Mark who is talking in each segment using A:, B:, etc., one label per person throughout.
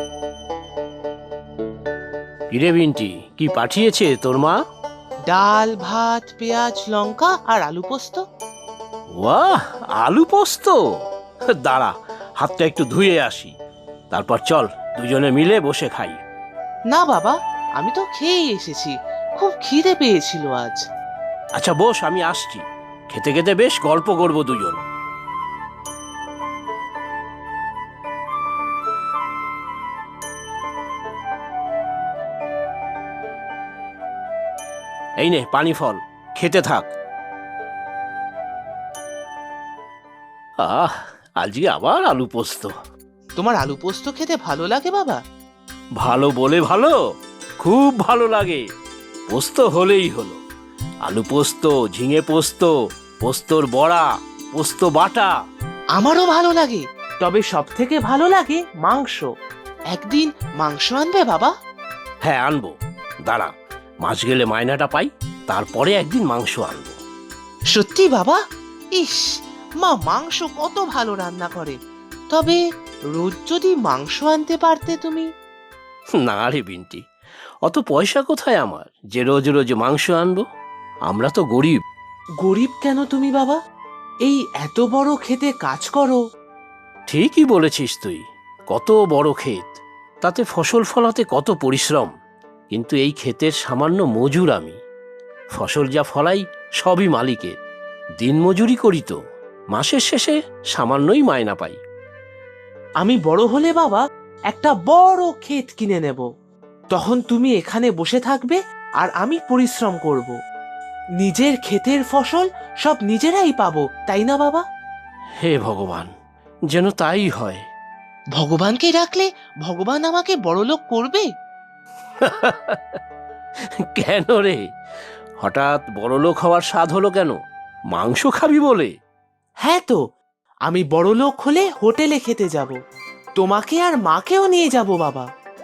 A: কিরে বিন্টি, কি পাঠিয়েছে তোর মা?
B: ডাল, ভাত, পেঁয়াজ, লঙ্কা আর আলু পোস্ত।
A: বাহ, আলু পোস্ত! দাঁড়া, হাতটা একটু ধুয়ে আসি, তারপর চল দুজনে মিলে বসে খাই।
B: না বাবা, আমি তো খেয়েই এসেছি, খুব খিদে পেয়েছিল আজ।
A: আচ্ছা বস, আমি আসছি। খেতে খেতে বেশ গল্প করবো দুজন। এই নে পানি ফল, খেতে থাক। আহ, আজকে আবার আলু পোস্ত।
B: তোমার আলু পোস্ত খেতে ভালো লাগে বাবা?
A: ভালো বলে ভালো, খুব ভালো লাগে। পোস্ত হলেই হলো। আলু পোস্ত, ঝিঙে পোস্ত, পোস্তর বড়া, পোস্ত বাটা।
B: আমারও ভালো লাগে, তবে সব থেকে ভালো লাগে মাংস। একদিন মাংস আনবে বাবা?
A: হ্যাঁ আনবো, দাঁড়া, মাস গেলে মায়নাটা পাই, তারপরে একদিন মাংস আনবো।
B: সত্যি বাবা? ইস, মা মাংস কত ভালো রান্না করে। তবে রোজ যদি মাংস আনতে পারতে তুমি।
A: না রে বিন্টি, অত পয়সা কোথায় আমার যে রোজ রোজ মাংস আনবো? আমরা তো গরিব।
B: গরিব কেন তুমি বাবা? এই এত বড় খেতে কাজ করো।
A: ঠিকই বলেছিস তুই, কত বড় ক্ষেত, তাতে ফসল ফলাতে কত পরিশ্রম। কিন্তু এই ক্ষেতের সামান্য মজুর আমি। ফসল যা ফলাই সবই মালিকের। দিন মজুরি করি তো, মাসের শেষে সামান্যই মায়না পাই।
B: আমি বড় হলে বাবা একটা বড় ক্ষেত কিনে নেব। তখন তুমি এখানে বসে থাকবে আর আমি পরিশ্রম করব। নিজের ক্ষেতের ফসল সব নিজেরাই পাবো, তাই না বাবা?
A: হে ভগবান, যেন তাই হয়।
B: ভগবানকে ডাকলে ভগবান আমাকে বড়লোক করবে?
A: কেন রে, হঠাৎ বড়লোক হওয়ার স্বাদ হলো কেন? মাংস খাবি বলে?
B: হ্যাঁ তো, আমি বড়লোক হলে হোটেলে খেতে যাব। তোমাকে আর মাকেও নিয়ে যাব বাবা।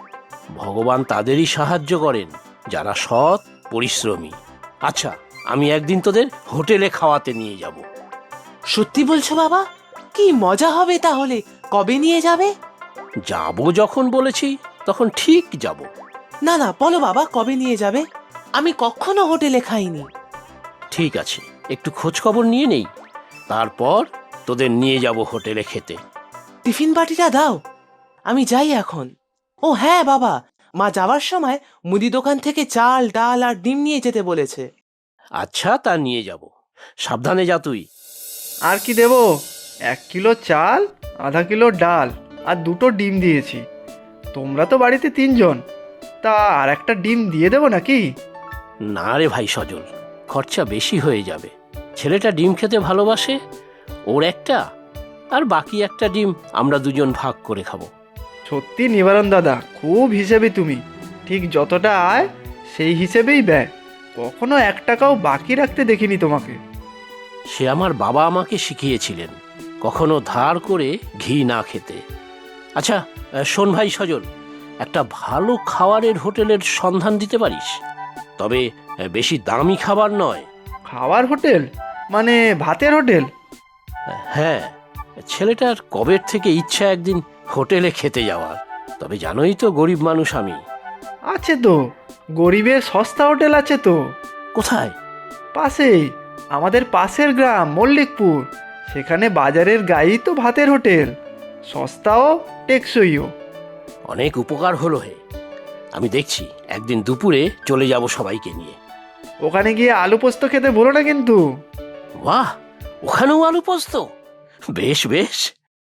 A: ভগবান তাদেরই সাহায্য করেন যারা সৎ, পরিশ্রমী। আচ্ছা, আমি একদিন তোদের হোটেলে খাওয়াতে নিয়ে যাব।
B: সত্যি বলছো বাবা? কি মজা হবে তাহলে। কবে নিয়ে যাবে?
A: যাব যখন বলেছি তখন ঠিক যাব।
B: না না, বলো বাবা, কবে নিয়ে যাবে? আমি কখনো হোটেলে খাইনি।
A: ঠিক আছে, একটু খোঁজ খবর নিয়ে নেই, তারপর তোদের নিয়ে যাব হোটেলে খেতে।
B: টিফিন বাটিটা দাও, আমি যাই এখন। ও হ্যাঁ বাবা, মা যাওয়ার সময় মুদি দোকান থেকে চাল, ডাল আর ডিম নিয়ে যেতে বলেছে।
A: আচ্ছা, তা নিয়ে যাব। সাবধানে যা তুই।
C: আর কি দেবো? 1 কিলো চাল, আধা কিলো ডাল আর 2টো ডিম দিয়েছি। তোমরা তো বাড়িতে 3জন, তা আর একটা ডিম দিয়ে দেবো নাকি?
A: না রে ভাই সজল, খরচা বেশি হয়ে যাবে। ছেলেটা ডিম খেতে ভালোবাসে, ওর একটা, আর বাকি একটা ডিম আমরা দুজন ভাগ করে খাবো।
C: সত্যি নিবারণ দাদা, খুব হিসেবে তুমি। ঠিক যতটা আয় সেই হিসেবেই ব্যয়, কখনো 1 টাকাও বাকি রাখতে দেখিনি তোমাকে।
A: সে আমার বাবা আমাকে শিখিয়েছিলেন, কখনো ধার করে ঘি না খেতে। আচ্ছা, শোন ভাই সজল, একটা ভালো খাবারের হোটেলের সন্ধান দিতে পারিস? তবে বেশি দামি খাবার নয়।
C: খাওয়ার হোটেল মানে ভাতের হোটেল?
A: হ্যাঁ, ছেলেটার কবের থেকে ইচ্ছা একদিন হোটেলে খেতে যাওয়ার। তবে জানোই তো গরিব মানুষ আমি।
C: আছে তো, গরিবের সস্তা হোটেল আছে তো।
A: কোথায়?
C: পাশেই, আমাদের পাশের গ্রাম মল্লিকপুর। সেখানে বাজারের গায়েই তো ভাতের হোটেল, সস্তাও টেকসইও।
A: অনেক উপকার হলো হে। আমি দেখছি একদিন দুপুরে চলে যাব সবাইকে নিয়ে।
C: ওখানে গিয়ে আলু পোস্ত খেতে বলো না কিন্তু।
A: বাহ, ওখানেও আলু পোস্ত! বেশ বেশ।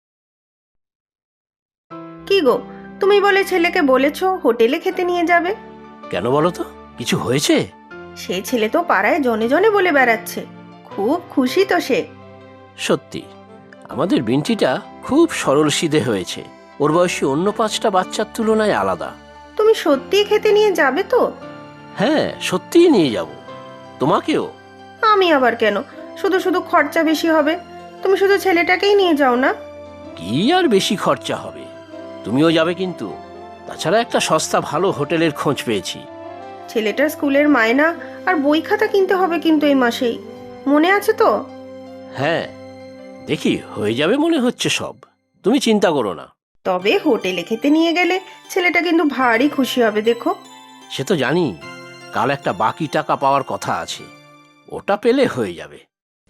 D: কি গো, তুমি বলে ছেলেকে বলেছো হোটেলে খেতে নিয়ে যাবে?
A: কেন বলো তো, কিছু হয়েছে?
D: সে ছেলে তো পাড়ায় জনে জনে বলে বেড়াচ্ছে, খুব খুশি তো সে।
A: সত্যি, আমাদের বিন্টিটা খুব সরল সিধে হয়েছে। ওর বয়সী অন্য 5টা বাচ্চার তুলনায় আলাদা।
D: তুমি সত্যিই খেতে নিয়ে যাবে তো?
A: হ্যাঁ, সত্যিই নিয়ে যাব। তোমাকেও।
D: আমি আবার কেন? শুধু শুধু খরচা বেশি হবে। তুমি শুধু ছেলেটাকেই নিয়ে যাও না।
A: কি আর বেশি খরচা হবে, তুমিও যাবে কিন্তু। তাছাড়া একটা সস্তা ভালো হোটেলের খোঁজ পেয়েছি।
D: ছেলেটার স্কুলের মায়না আর বই খাতা কিনতে হবে কিন্তু এই মাসেই, মনে আছে তো?
A: হ্যাঁ, দেখি হয়ে যাবে মনে হচ্ছে সব, তুমি চিন্তা করো না।
D: তবে হোটেলে খেতে নিয়ে গেলে ছেলেটা কিন্তু ভারী খুশি হবে দেখো।
A: সে তো জানি, কাল একটা বাকি টাকা পাওয়ার কথা আছে, ওটা পেলে হয়ে যাবে।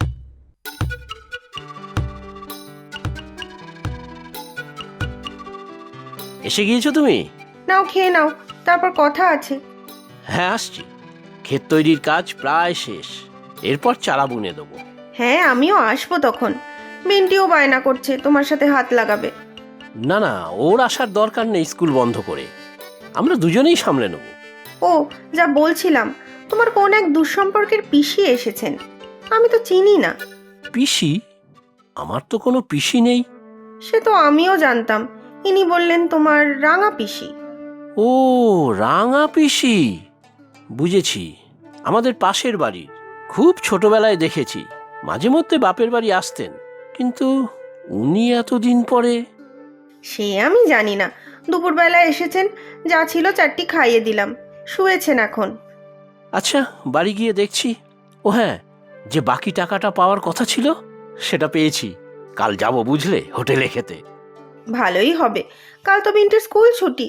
A: এসে গিয়েছো তুমি?
D: নাও খেয়ে নাও, তারপর কথা আছে।
A: হ্যাঁ আসছি, ক্ষেত তৈরির কাজ প্রায় শেষ, এরপর চারা বুনে দেবো।
D: হ্যাঁ আমিও আসবো তখন। বিন্টিও বায়না করছে তোমার সাথে হাত লাগাবে।
A: না না, ওর আসার দরকার নেই, স্কুল বন্ধ করে আমরা দুজনেই সামলে নেব।
D: ও যা বলছিলাম, তোমার কোন এক দুঃসম্পর্কের পিসি এসেছেন, আমি তো চিনি না।
A: পিসি? আমার তো কোনো পিসি নেই।
D: সে তো আমিও জানতাম, ইনি বললেন তোমার রাঙা পিসি।
A: ও, রাঙা পিসি, বুঝেছি। আমাদের পাশের বাড়ির, খুব ছোটবেলায় দেখেছি, মাঝে মধ্যে বাপের বাড়ি আসতেন, কিন্তু উনি এতদিন পরে।
D: সে আমি জানি না, দুপুরবেলা এসেছেন, যা ছিল চারটি খাইয়ে দিলাম, শুয়েছেন এখন।
A: আচ্ছা, বাড়ি গিয়ে দেখছি। ও হ্যাঁ, যে বাকি টাকাটা পাওয়ার কথা ছিল সেটা পেয়েছি, কাল যাব বুঝলে হোটেলে খেতে।
D: ভালোই হবে, কাল তো বিন্টির স্কুল ছুটি।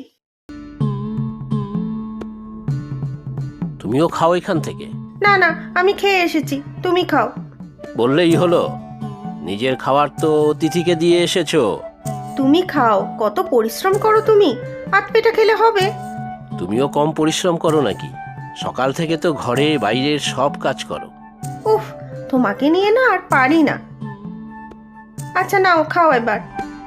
A: তুমিও খাও এখান থেকে।
D: না না, আমি খেয়ে এসেছি, তুমি খাও।
A: বললেই হলো, নিজের খাবার তো অতিথিকে দিয়ে এসেছো।
D: তুমি খাও, কত পরিশ্রম করো তুমি, আধ পেটা খেলে হবে।
A: তুমিও কম পরিশ্রম করো নাকি? সকাল থেকে তো ঘরে বাইরের সব কাজ করো।
D: উফ, তোমাকে নিয়ে না আর পারি না। আচ্ছা নাও, খাও এবার।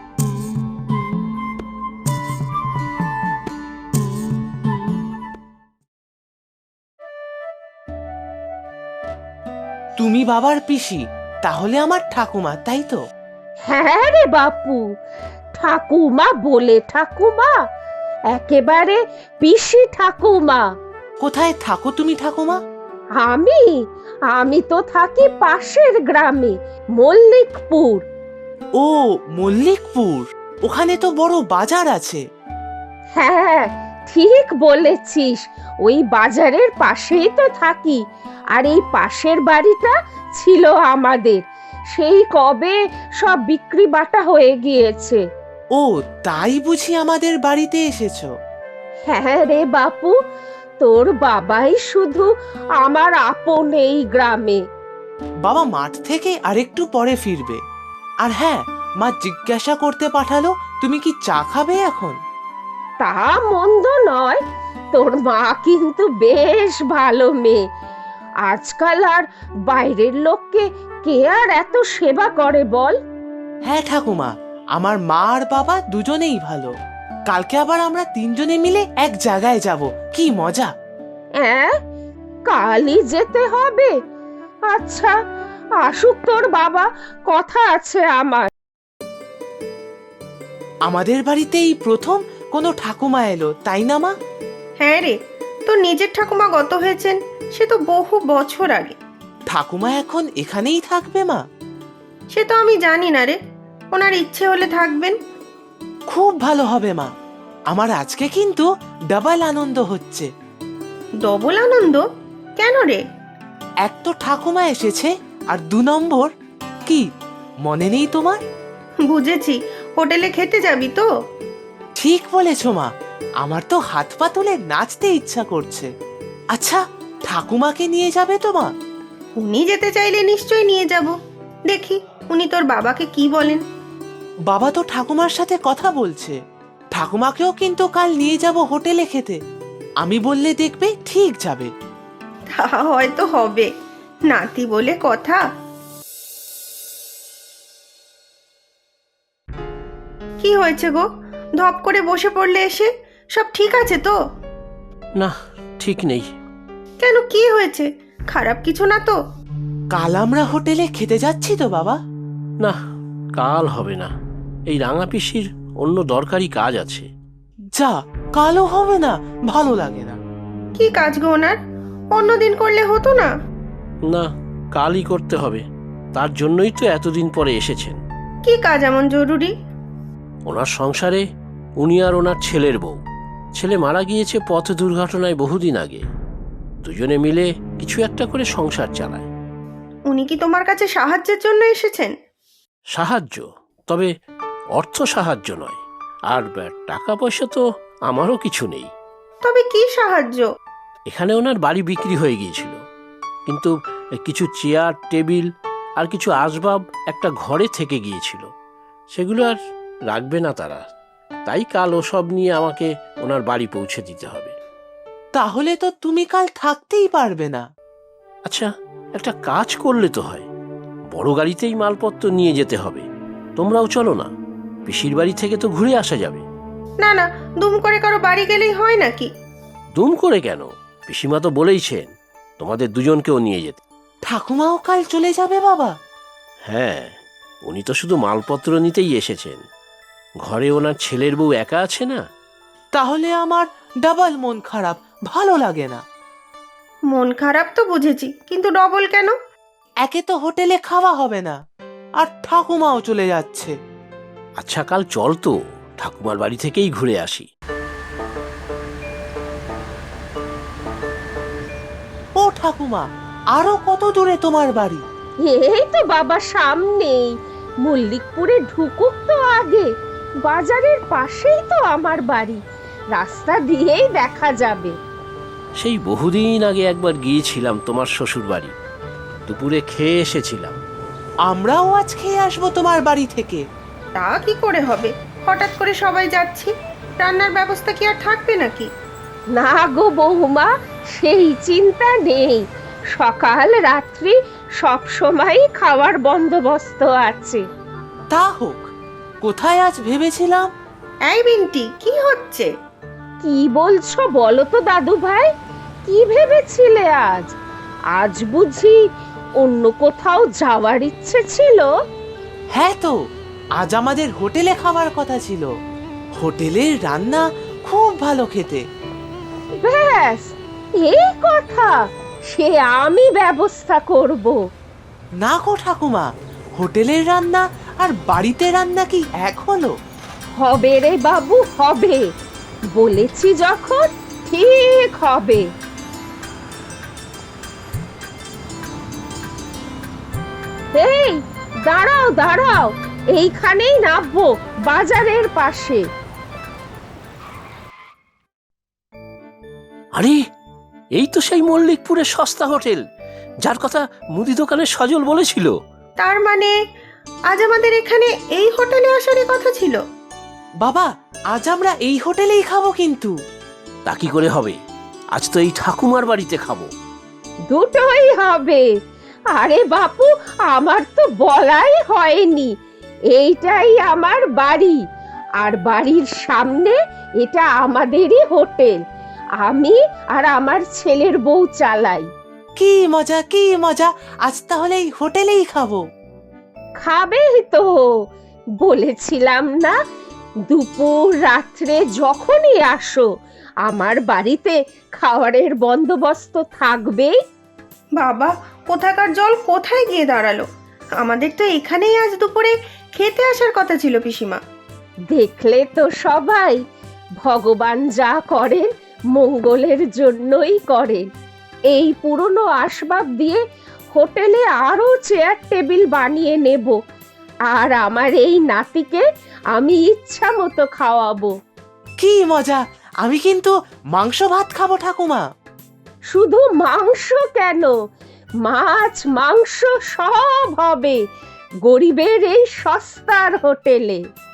B: তুমি বাবার পিসি, তাহলে আমার ঠাকুমা, তাই তো?
E: হ্যাঁ রে বাপু, ঠাকুমা বলে ঠাকুমা, একেবারে পিসি ঠাকুমা।
B: কোথায় থাকো তুমি ঠাকুমা?
E: আমি আমি তো থাকি পাশের গ্রামে, মল্লিকপুর।
B: ও, মল্লিকপুর, ওখানে তো বড় বাজার আছে।
E: হ্যাঁ ঠিক বলেছিস, ওই বাজারের পাশেই তো থাকি। আর এই পাশের বাড়িটা ছিল আমাদের, সেই কবে সব বিক্রি বাটা হয়ে গিয়েছে।
B: ও, তাই বুঝি আমাদের বাড়িতে এসেছো?
E: হ্যাঁ রে বাপু, তোর বাবাই শুধু আমার আপন এই গ্রামে।
B: বাবা মাঠ থেকে আরেকটু পরে ফিরবে। আর হ্যাঁ, মা জিজ্ঞাসা করতে পাঠালো তুমি কি চা খাবে এখন।
E: তা মন্দ নয়, তোর মা কিন্তু বেশ ভালো মেয়ে। আজকাল আর বাইরের লোককে কে আর এত সেবা করে বল?
B: হ্যাঁ ঠাকুমা, আমার মা আর বাবা দুজনেই ভালো। কালকে আবার আমরা তিনজনে মিলে এক জায়গায় যাব, কি মজা।
E: হ্যাঁ, কালই যেতে হবে। আচ্ছা, আসুক তোর বাবা, কথা আছে আমার।
B: আমাদের বাড়িতে এই প্রথম কোনো ঠাকুমা এলো, তাই না মা?
D: হ্যাঁ রে, তোর নিজের ঠাকুমা গত হয়েছেন, সে তো বহু বছর আগে।
B: ঠাকুমা এখন এখানেই থাকবে মা?
D: সে তো আমি জানি না রে, ওনার ইচ্ছে হলে থাকবেন।
B: খুব ভালো হবে মা, আমার আজকে কিন্তু ডাবল আনন্দ হচ্ছে।
D: ডবল আনন্দ? কেন রে?
B: এক তো ঠাকুমা এসেছে, আর 2 নম্বর কি মনে নেই তোমার?
D: বুঝেছি, হোটেলে খেতে যাবি তো?
B: ঠিক বলেছ মা, আমার তো হাত পা তুলে নাচতে ইচ্ছা করছে। আচ্ছা, ঠাকুমাকে নিয়ে যাবে তো মা?
D: উনি যেতে চাইলে নিশ্চয়ই নিয়ে যাব, দেখি উনি তোর বাবাকে কি বলেন।
B: বাবা তো ঠাকুমার সাথে কথা বলছে, ঠাকুমাকেও কিন্তু কাল নিয়ে যাব হোটেলে খেতে। আমি বললে দেখবে ঠিক যাবে।
D: তা হয়তো হবে, নাতি বলে কথা। কি হয়েছে গো, ধপ করে বসে পড়লে এসে? সব ঠিক আছে তো?
A: না, ঠিক নেই।
D: কেন, কি হয়েছে? খারাপ কিছু না তো?
B: কাল আমরা হোটেলে খেতে যাচ্ছি তো বাবা?
A: না, কাল হবে না, এই রাঙা পিসির অন্য দরকারি কাজ আছে।
B: যা, কালও হবে না, ভালো লাগে না।
D: কি কাজ গো ওনার? অন্যদিন করলে হতো না?
A: না, কালই করতে হবে, তার জন্যই তো এতদিন পরে এসেছেন।
D: কি কাজ এমন জরুরি?
A: ওনার সংসারে উনি আর ওনার ছেলের বউ, ছেলে মারা গিয়েছে পথ দুর্ঘটনায় বহুদিন আগে, দুজনে মিলে কিছু একটা করে সংসার চালায়।
D: উনি কি তোমার কাছে সাহায্যের জন্য এসেছেন?
A: সাহায্য, তবে অর্থ সাহায্য নয়, আর টাকা পয়সা তো আমারও কিছু নেই।
D: তবে কি সাহায্য?
A: এখানে ওনার বাড়ি বিক্রি হয়ে গিয়েছিল, কিন্তু কিছু চেয়ার টেবিল আর কিছু আসবাব একটা ঘরে থেকে গিয়েছিল, সেগুলো আর রাখবে না তারা। তাই কাল ওসব নিয়ে আমাকে ওনার বাড়ি পৌঁছে দিতে হবে।
B: তাহলে তো তুমি কাল থাকতেই পারবে না।
A: আচ্ছা, একটা কাজ করলে তো হয়, বড় গাড়িতেই মালপত্র নিয়ে যেতে হবে। তোমরাও চলো না, পিসির বাড়ি থেকে তো ঘুরে আসা যাবে।
D: না না, দুম করে কারো বাড়ি গেলেই হয় নাকি?
A: দুম করে কেন, পিসিমা তো বলেইছেন তোমাদের দুজনকেও নিয়ে যেতে।
B: ঠাকুমাও কাল চলে যাবে বাবা?
A: হ্যাঁ, উনি তো শুধু মালপত্র নিতেই এসেছেন, ঘরে ওনার ছেলের বউ একা আছে না।
B: তাহলে আমার ডাবল মন খারাপ, ভালো লাগে না।
D: মন খারাপ তো বুঝেছি, কিন্তু ডবল কেন?
B: একে তো হোটেলে খাওয়া হবে না, আর ঠাকুমাও চলে যাচ্ছে।
A: আচ্ছা, কাল চল তো ঠাকুমার বাড়ি থেকেই ঘুরে আসি।
B: ও ঠাকুমা, আরো কত দূরে তোমার বাড়ি?
E: এই তো বাবা সামনেই, মল্লিকপুরে ঢুকুক তো আগে। বাজারের পাশেই তো আমার বাড়ি, রাস্তা দিয়েই দেখা যাবে।
A: সেই বহুদিন আগে একবার গিয়েছিলাম তোমার শ্বশুর বাড়ি, দুপুরে খেয়ে এসেছিলাম।
B: আমরাও আজ খেয়ে আসবো তোমার বাড়ি থেকে।
D: তা কি করে হবে, হঠাৎ করে সবাই যাচ্ছি, রান্নার ব্যবস্থা কি আর থাকবে নাকি?
E: না গো বৌমা, সেই চিন্তা নেই, সকাল রাত্রি সব সময় খাওয়ার বন্দোবস্ত আছে।
B: তা হোক, কোথায় আজ ভেবেছিলাম।
D: এই বিন্টি, কি হচ্ছে?
E: কি বলছো বলো তো দাদু ভাই, কি ভেবেছিলে আজ? আজ বুঝি অন্য কোথাও যাওয়ার ইচ্ছে ছিল?
B: হ্যাঁ তো, আজ আমাদের হোটেলে খাওয়ার কথা ছিল। হোটেলের রান্না খুব ভালো খেতে।
E: ব্যাস এই কথা, সে আমি ব্যবস্থা করব।
B: না গো ঠাকুমা, হোটেলের রান্না আর বাড়িতে রান্না কি এক হলো?
E: হবে রে বাবু, হবে, বলেছি যখন ঠিক হবে। এই দাঁড়াও দাঁড়াও, এইখানেই নামবো, বাজারের পাশে।
A: আরে, এই তো সেই মল্লিকপুরের সস্তা হোটেল, যার কথা মুদি দোকানের সজল বলেছিল।
D: তার মানে আজ আমাদের এখানে এই হোটেলে আসারই কথা ছিল?
B: বাবা, আজ আমরা এই হোটেলেই খাবো কিন্তু।
A: তা কি করে হবে, আজ তো এই ঠাকুমার বাড়িতে খাবো।
E: দুটোই হবে। আরে বাপু, আমার তো বলাই হয়নি, এইটাই আমার বাড়ি, আর বাড়ির সামনে এটা আমাদেরই হোটেল। আমি আর আমার ছেলের বউ চালাই।
B: কি মজা, কি মজা, আজ তাহলে এই হোটেলেই খাবো।
E: খাবেই তো, বলেছিলাম না, দুপুর রাত্রে যখনই আসো আমার বাড়িতে খাবারের বন্দোবস্ত থাকবেই।
D: বাবা, কোথাকার জল কোথায় গিয়ে দাঁড়ালো? আমাদের তো এখানেই আজ দুপুরে খেতে আসার কথা ছিল পিসিমা।
E: দেখলে তো সবাই, ভগবান যা করেন মঙ্গলের জন্যই করেন। এই পুরনো আসবাব দিয়ে হোটেলে আরো চেয়ার টেবিল বানিয়ে নেব, আর আমার এই নাতিকে আমি ইচ্ছা মতো খাওয়াবো।
B: কি মজা, আমি কিন্তু মাংস ভাত খাবো ঠাকুমা।
E: শুধু মাংস কেন, মাছ মাংস সব হবে গরিবের এই সস্তার হোটেলে।